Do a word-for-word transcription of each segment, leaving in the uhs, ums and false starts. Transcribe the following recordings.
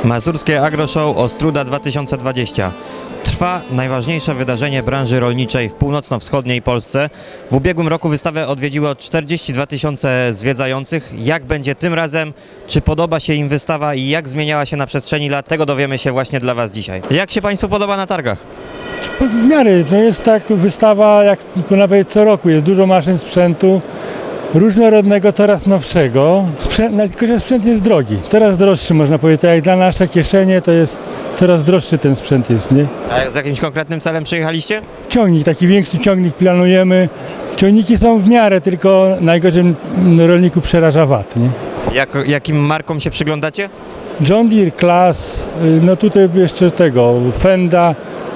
Mazurskie Agro Show Ostruda dwa tysiące dwadzieścia. Trwa najważniejsze wydarzenie branży rolniczej w północno-wschodniej Polsce. W ubiegłym roku wystawę odwiedziło czterdzieści dwa tysiące zwiedzających. Jak będzie tym razem? Czy podoba się im wystawa i jak zmieniała się na przestrzeni lat? Tego dowiemy się właśnie dla Was dzisiaj. Jak się Państwu podoba na targach? W miarę, no jest tak wystawa jak nawet co roku, jest dużo maszyn, sprzętu różnorodnego, coraz nowszego, sprzęt, no, tylko że sprzęt jest drogi, coraz droższy można powiedzieć, tak jak dla nasze kieszenie to jest coraz droższy ten sprzęt jest, nie? A z jakimś konkretnym celem przyjechaliście? Ciągnik, taki większy ciągnik planujemy, ciągniki są w miarę, tylko najgorzej rolniku przeraża V A T, nie? Jak, jakim markom się przyglądacie? John Deere, Class, no tutaj jeszcze tego, Fenda,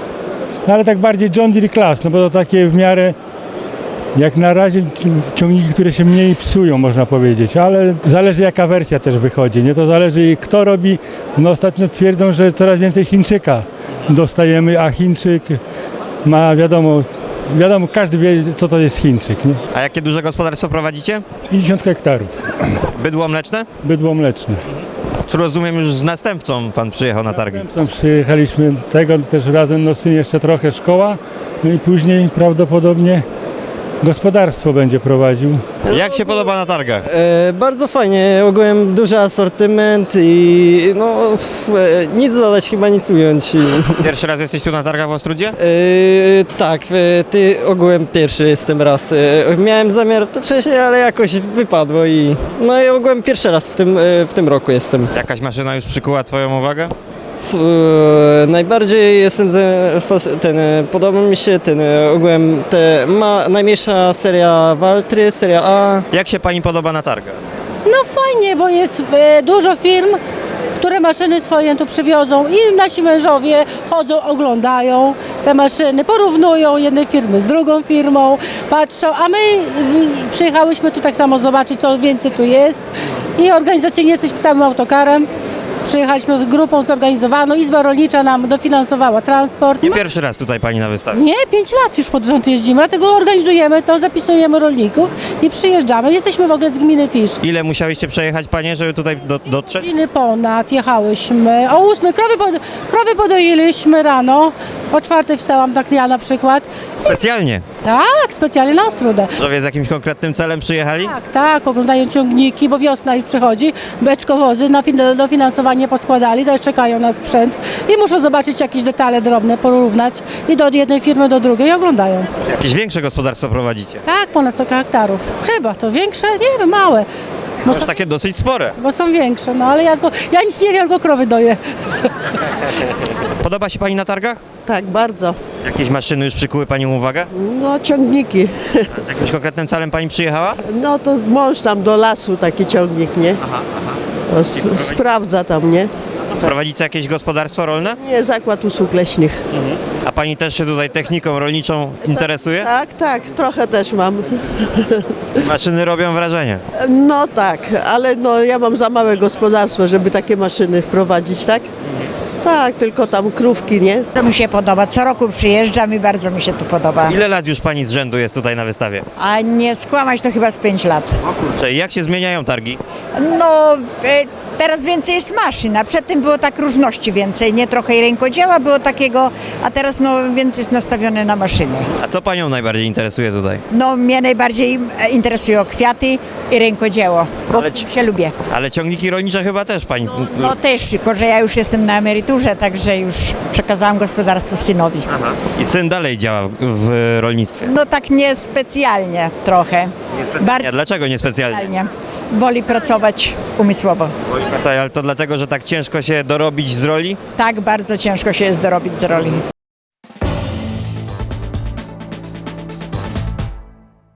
no ale tak bardziej John Deere Class, no bo to takie w miarę jak na razie ciągniki, które się mniej psują, można powiedzieć, ale zależy jaka wersja też wychodzi, nie? To zależy kto robi, no ostatnio twierdzą, że coraz więcej Chińczyka dostajemy, a Chińczyk ma wiadomo, wiadomo każdy wie co to jest Chińczyk, nie? A jakie duże gospodarstwo prowadzicie? pięćdziesiąt hektarów, Bydło mleczne? bydło mleczne. Czy rozumiem, już z następcą Pan przyjechał na targi? Tam przyjechaliśmy tego też razem, no syn jeszcze trochę szkoła, no i później prawdopodobnie gospodarstwo będzie prowadził. Jak się podoba na targach? E, bardzo fajnie, ogółem duży asortyment i no f, e, nic dodać, chyba nic ująć. Pierwszy raz jesteś tu na targach w Ostrudzie? E, tak, e, ty ogółem pierwszy jestem raz. E, miałem zamiar to wcześniej, ale jakoś wypadło i no i ogółem pierwszy raz w tym, e, w tym roku jestem. Jakaś maszyna już przykuła Twoją uwagę? F, e, najbardziej jestem ze, fas- ten, e, podoba mi się ten e, ogółem te ma najmniejsza seria Valtry, seria A. Jak się Pani podoba na targach? No fajnie, bo jest e, dużo firm, które maszyny swoje tu przywiozą i nasi mężowie chodzą, oglądają te maszyny, porównują jednej firmy z drugą firmą, patrzą, a my w, przyjechałyśmy tu tak samo zobaczyć, co więcej tu jest i organizacyjnie jesteśmy całym autokarem. Przyjechaliśmy grupą zorganizowaną, Izba Rolnicza nam dofinansowała transport. Nie pierwszy raz tutaj Pani na wystawie. Nie, pięć lat już pod rząd jeździmy, dlatego organizujemy to, zapisujemy rolników i przyjeżdżamy. Jesteśmy w ogóle z gminy Pisz. Ile musiałyście przejechać Panie, żeby tutaj do, dotrzeć? Godziny ponad jechałyśmy. O ósmej krowy, pod, krowy podoiliśmy rano. O czwartej wstałam, tak ja na przykład. Specjalnie. Tak, specjalnie na Ostrudę. Mężowie z jakimś konkretnym celem przyjechali? Tak, tak, oglądają ciągniki, bo wiosna już przychodzi. Beczkowozy na fin- dofinansowanie poskładali, teraz czekają na sprzęt i muszą zobaczyć jakieś detale drobne, porównać i do jednej firmy do drugiej i oglądają. Jakieś większe gospodarstwo prowadzicie? Tak, ponad sto hektarów. Chyba to większe? Nie wiem, małe. Bo, Już takie dosyć spore. bo są większe, no ale ja, go, ja nic nie wiem, tylko krowy doję. Podoba się Pani na targach? Tak, bardzo. Jakieś maszyny już przykuły Panią uwagę? No ciągniki. Z jakimś konkretnym celem Pani przyjechała? No to mąż tam do lasu taki ciągnik, nie? Aha, aha. To s- sprawdza tam, nie? Prowadzicie jakieś gospodarstwo rolne? Nie, zakład usług leśnych. A Pani też się tutaj techniką rolniczą interesuje? Tak, tak, trochę też mam. Maszyny robią wrażenie. No tak, ale no ja mam za małe gospodarstwo, żeby takie maszyny wprowadzić, tak? Tak, tylko tam krówki, nie? To mi się podoba. Co roku przyjeżdżam i bardzo mi się to podoba. Ile lat już Pani z rzędu jest tutaj na wystawie? A nie skłamać to chyba z pięć lat. O kurczę, jak się zmieniają targi? No, e, teraz więcej jest maszyn, a przedtem było tak różności więcej. Nie trochę i rękodzieła było takiego, a teraz no więcej jest nastawione na maszyny. A co Panią najbardziej interesuje tutaj? No mnie najbardziej e, interesują kwiaty i rękodzieło, bo Ale w ci- tym się lubię. Ale ciągniki rolnicze chyba też Pani... No też, tylko że ja już jestem na emeryturze, także już przekazałam gospodarstwo synowi. Aha. I syn dalej działa w, w rolnictwie? No tak niespecjalnie trochę. Niespecjalnie. A dlaczego niespecjalnie? Specjalnie. Woli pracować umysłowo. Ale to dlatego, że tak ciężko się dorobić z roli? Tak bardzo ciężko się jest dorobić z roli.